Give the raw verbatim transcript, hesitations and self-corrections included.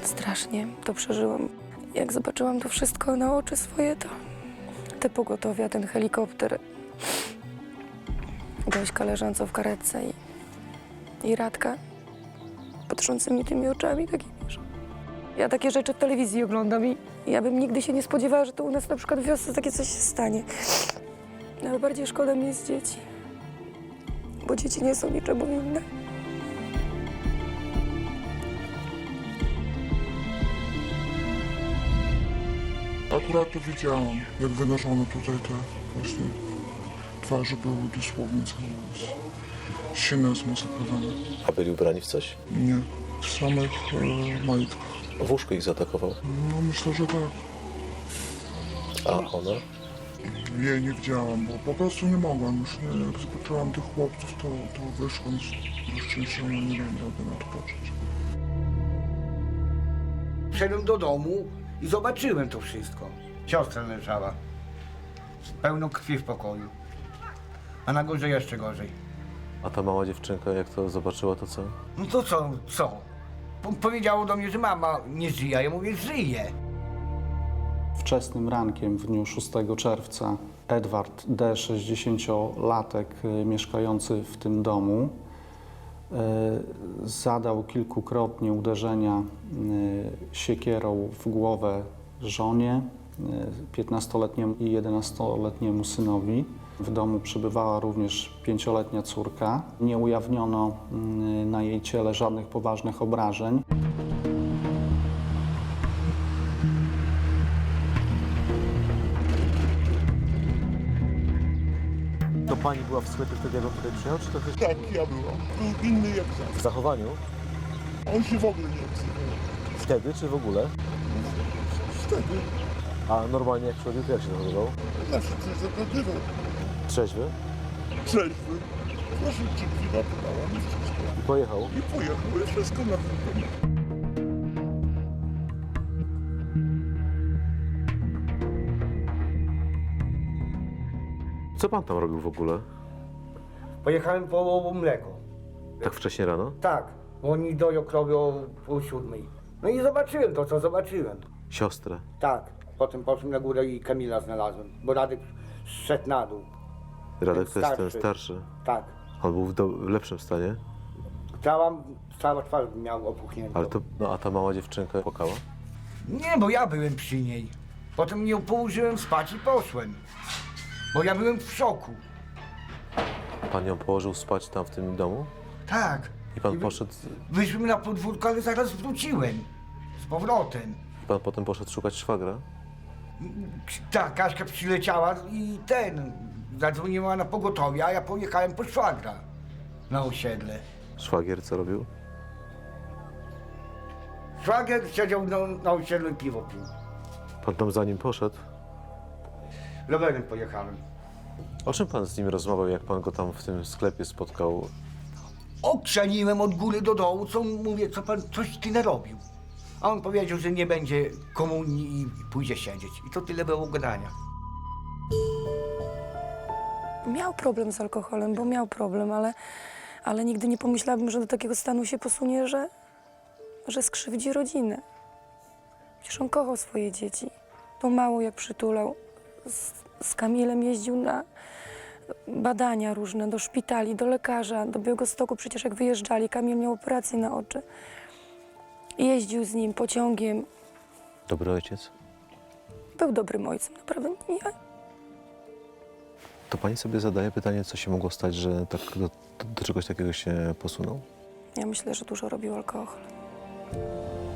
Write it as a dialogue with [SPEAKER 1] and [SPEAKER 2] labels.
[SPEAKER 1] Strasznie to przeżyłam. Jak zobaczyłam to wszystko na oczy swoje, to te pogotowia, ten helikopter, Gośka leżąca w karetce i, i Radka patrzącymi tymi oczami takimi, że... Ja takie rzeczy w telewizji oglądam i ja bym nigdy się nie spodziewała, że to u nas na przykład w wiosce takie coś się stanie. Ale bardziej szkoda mi jest dzieci, bo dzieci nie są niczemu winne.
[SPEAKER 2] Akurat to widziałam, jak wynoszono tutaj te właśnie twarze były dosłownie całe silne zmasakrowane.
[SPEAKER 3] A byli ubrani w coś?
[SPEAKER 2] Nie, w samych e, majtkach.
[SPEAKER 3] W łóżku ich zaatakował?
[SPEAKER 2] No myślę, że tak.
[SPEAKER 3] A ona?
[SPEAKER 2] Jej nie widziałam, bo po prostu nie mogłam już. Nie, jak zobaczyłam tych chłopców, to, to wyszłam z szczęścia, nie miałam rady na to patrzeć.
[SPEAKER 4] Wszedłem do domu i zobaczyłem to wszystko. Siostra leżała, pełno krwi w pokoju, a na górze jeszcze gorzej.
[SPEAKER 3] A ta mała dziewczynka, jak to zobaczyła, to co?
[SPEAKER 4] No to co, co? Po powiedziało do mnie, że mama nie żyje, a ja mówię, żyje.
[SPEAKER 5] Wczesnym rankiem w dniu szóstego czerwca Edward D., sześćdziesięciolatek y, mieszkający w tym domu, y, zadał kilkukrotnie uderzenia y, siekierą w głowę żonie, piętnastoletniemu i jedenastoletniemu synowi. W domu przebywała również pięcioletnia córka. Nie ujawniono y, na jej ciele żadnych poważnych obrażeń.
[SPEAKER 3] To pani była w sklepie wtedy, jak on tutaj przyjechał, czy to też
[SPEAKER 2] Tak, ja byłam. Był inny jak zawsze.
[SPEAKER 3] w zachowaniu?
[SPEAKER 2] On się w ogóle nie odzywał.
[SPEAKER 3] Wtedy, czy w ogóle?
[SPEAKER 2] Wtedy
[SPEAKER 3] A normalnie jak przychodził, to jak się zachowywał?
[SPEAKER 2] zawsze coś zagadywał.
[SPEAKER 3] Trzeźwy?
[SPEAKER 2] Trzeźwy. Proszę, czy drzwi napytałam i wszystko.
[SPEAKER 3] I pojechał?
[SPEAKER 2] I pojechał, i wszystko na tym.
[SPEAKER 3] Co pan tam robił w ogóle?
[SPEAKER 4] Pojechałem po mleko.
[SPEAKER 3] Tak wcześnie rano?
[SPEAKER 4] Tak, bo oni doją krowy o pół siódmej. No i zobaczyłem to, co zobaczyłem.
[SPEAKER 3] Siostrę.
[SPEAKER 4] Tak, potem poszłem na górę i Kamila znalazłem, bo Radek zszedł na dół.
[SPEAKER 3] Radek to jest ten
[SPEAKER 4] Starszy.
[SPEAKER 3] starszy.
[SPEAKER 4] Tak,
[SPEAKER 3] On był w, do, w lepszym stanie,
[SPEAKER 4] cała, cała twarz miał opuchniętą.
[SPEAKER 3] ale to... No a ta mała dziewczynka płakała?
[SPEAKER 4] Nie, bo ja byłem przy niej. Potem ją położyłem spać i poszłem. Bo ja byłem w szoku.
[SPEAKER 3] Pan ją położył spać tam w tym domu?
[SPEAKER 4] Tak.
[SPEAKER 3] I pan
[SPEAKER 4] wy-
[SPEAKER 3] poszedł...
[SPEAKER 4] Wyszłem na podwórko, ale zaraz wróciłem. Z powrotem.
[SPEAKER 3] I pan potem poszedł szukać szwagra?
[SPEAKER 4] Tak, Kaśka przyleciała i ten, zadzwoniła na pogotowie, a ja pojechałem po szwagra na osiedle.
[SPEAKER 3] Szwagier co robił?
[SPEAKER 4] Szwagier siedział na, na osiedlu i piwo pił.
[SPEAKER 3] Pan tam za nim poszedł?
[SPEAKER 4] Rowerem pojechałem.
[SPEAKER 3] O czym pan z nim rozmawiał, jak pan go tam w tym sklepie spotkał?
[SPEAKER 4] Okrzaniłem od góry do dołu, co mówię, co pan, coś ty narobił. A on powiedział, że nie będzie komunii i pójdzie siedzieć. I to tyle było gadania.
[SPEAKER 1] Miał problem z alkoholem, bo miał problem, ale, ale nigdy nie pomyślałabym, że do takiego stanu się posunie, że, że skrzywdzi rodzinę. Przecież on kochał swoje dzieci. To mało jak przytulał. Z, z Kamilem jeździł na badania różne, do szpitali, do lekarza, do Białegostoku. Przecież jak wyjeżdżali, Kamil miał operację na oczy. Jeździł z nim pociągiem.
[SPEAKER 3] Dobry ojciec?
[SPEAKER 1] Był dobrym ojcem, naprawdę. Ja,
[SPEAKER 3] To pani sobie zadaje pytanie, co się mogło stać, że tak do, do czegoś takiego się posunął?
[SPEAKER 1] ja myślę, że dużo robił alkohol.